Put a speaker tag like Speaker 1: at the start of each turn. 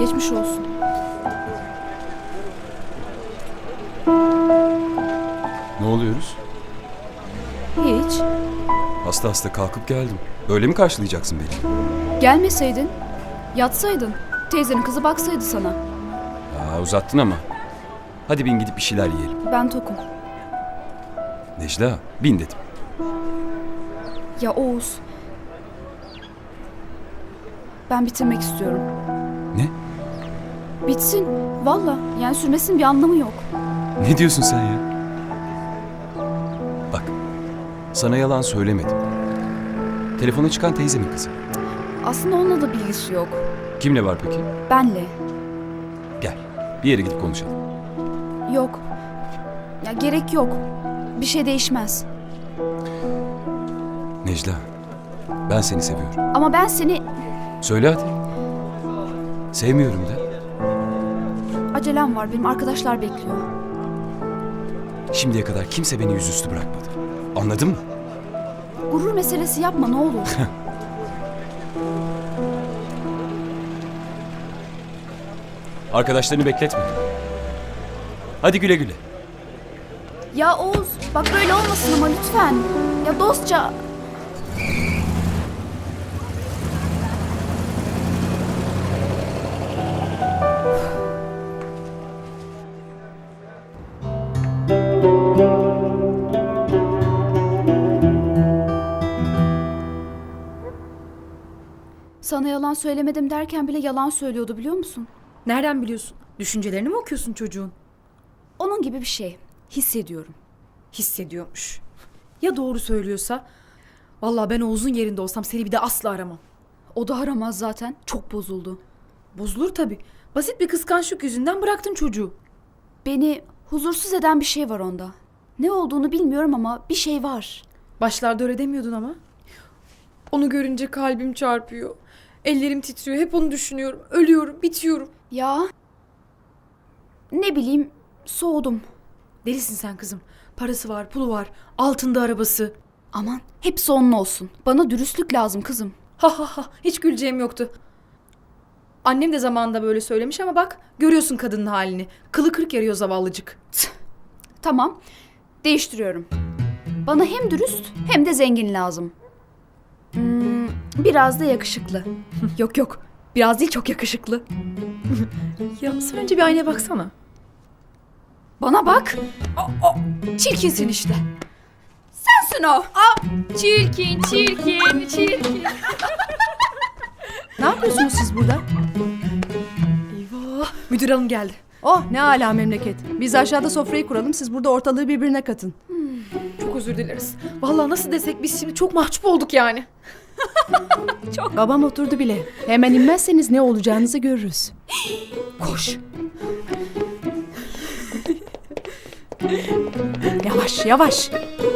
Speaker 1: Geçmiş olsun.
Speaker 2: Ne oluyoruz?
Speaker 1: Hiç.
Speaker 2: Hasta hasta kalkıp geldim. Böyle mi karşılayacaksın beni?
Speaker 1: Gelmeseydin. Yatsaydın. Teyzenin kızı baksaydı sana.
Speaker 2: Uzattın ama. Hadi bin gidip bir şeyler yiyelim.
Speaker 1: Ben tokum.
Speaker 2: Necla, bin dedim.
Speaker 1: Ya Oğuz. Ben bitirmek istiyorum.
Speaker 2: Ne?
Speaker 1: Bitsin. Valla. Yani sürmesinin bir anlamı yok.
Speaker 2: Ne diyorsun sen ya? Bak, sana yalan söylemedim. Telefona çıkan teyzemin kızı.
Speaker 1: Aslında onunla da bilgisi yok.
Speaker 2: Kimle var peki?
Speaker 1: Benle.
Speaker 2: Gel, bir yere gidip konuşalım.
Speaker 1: Yok. Ya gerek yok. Bir şey değişmez.
Speaker 2: Necla, ben seni seviyorum.
Speaker 1: Ama ben seni...
Speaker 2: Söyle hadi. Sevmiyorum de.
Speaker 1: Acelem var. Benim arkadaşlar bekliyor.
Speaker 2: Şimdiye kadar kimse beni yüzüstü bırakmadı. Anladın mı?
Speaker 1: Gurur meselesi yapma ne olur.
Speaker 2: Arkadaşlarını bekletme. Hadi güle güle.
Speaker 1: Ya Oğuz bak böyle olmasın ama lütfen. Ya dostça... Sana yalan söylemedim derken bile yalan söylüyordu biliyor musun?
Speaker 3: Nereden biliyorsun? Düşüncelerini mi okuyorsun çocuğun?
Speaker 1: Onun gibi bir şey. Hissediyorum.
Speaker 3: Hissediyormuş. Ya doğru söylüyorsa? Vallahi ben Oğuz'un yerinde olsam seni bir de asla aramam.
Speaker 1: O da aramaz zaten. Çok bozuldu.
Speaker 3: Bozulur tabii. Basit bir kıskançlık yüzünden bıraktın çocuğu.
Speaker 1: Beni huzursuz eden bir şey var onda. Ne olduğunu bilmiyorum ama bir şey var.
Speaker 3: Başlarda öyle demiyordun ama. Onu görünce kalbim çarpıyor. Ellerim titriyor. Hep onu düşünüyorum. Ölüyorum, bitiyorum.
Speaker 1: Ya ne bileyim soğudum.
Speaker 3: Delisin sen kızım. Parası var, pulu var. Altında arabası.
Speaker 1: Aman hepsi onun olsun. Bana dürüstlük lazım kızım.
Speaker 3: Ha ha ha. Hiç güleceğim yoktu. Annem de zamanında böyle söylemiş ama bak görüyorsun kadının halini. Kılı kırk yarıyor zavallıcık.
Speaker 1: Tamam değiştiriyorum. Bana hem dürüst hem de zengin lazım. Biraz da yakışıklı. Yok biraz değil çok yakışıklı.
Speaker 3: Ya sen önce bir aynaya baksana.
Speaker 1: Bana bak.
Speaker 3: Çirkinsin işte.
Speaker 1: Sensin o.
Speaker 3: Çirkin.
Speaker 4: Ne yapıyorsunuz siz burada?
Speaker 3: Eyvah. Müdür hanım geldi.
Speaker 4: Oh ne âlâ memleket. Biz aşağıda sofrayı kuralım, siz burada ortalığı birbirine katın.
Speaker 3: Çok özür dileriz. Vallahi nasıl desek biz şimdi çok mahcup olduk yani.
Speaker 4: Babam oturdu bile. Hemen inmezseniz ne olacağınızı görürüz.
Speaker 3: Koş.
Speaker 4: Yavaş yavaş.